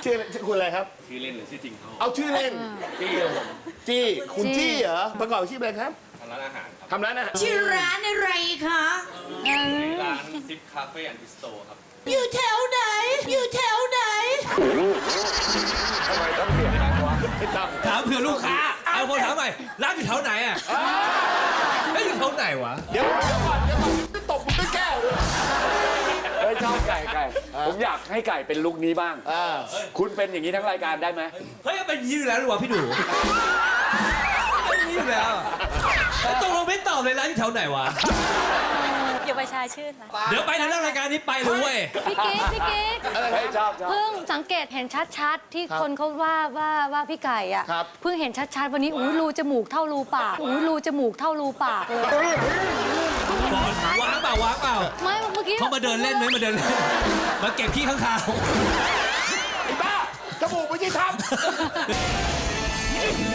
ชื่อคุณอะไรครับชื่อเล่นหรือชื่อจริงเขาเอาชื่อเล่นจี้ครับผมจี้คุณจี้เหรอประกอบอาชีพอะไรครับทำร้านอาหารครับทำร้านอาหารชื่อร้านอะไรคะร้านซิปคาเฟ่แอนด์บิสโตครับอยู่แถวไหน อยู่แถวไหนทำไมต้องเปลี่ยนร้านวะไม่ต้องถามเผื่อลูกค้า เอาคนถามใหม่ร้านอยู่แถวไหนอ่ะไม่อยู่แถวไหนวะเดี๋ยวก่อนจะตบมึงด้วยแก้วเลยเฮ้ยชอบไก่ผมอยากให้ไก่เป็นลุคนี้บ้าง คุณเป็นอย่างนี้ทั้งรายการได้ไหมเฮ้ยเป็นอยางนี้อยู่แล้วหรือวะพี่ดูเป็นอยางนี้อยู่แล้วแล้วตกลงไม่ตอบเลยร้านอยู่แถวไหนวะอย่าไปชายชื่นนะเดี๋ยวไปทางรายการนี้ไปเลยเว้ยพี่กิ๊กเฮ้ยชอบเพิ่งสังเกตเห็นชัดๆ ที่คนเขาว่าพี่ไก่อ่ะ เพิ่งเห็นชัดๆ วันนี้อู้รูจมูกเท่ารูปากอู้รูจมูกเท่ารูปากเลยว้างเปล่าวางเปล่าไม่เมื่อกี้เขามาเดินเล่นไหมมาเดินเล่นมาเก็บขี้ข้างคาวไอ้บ้าจมูกไม่ใช่ทำ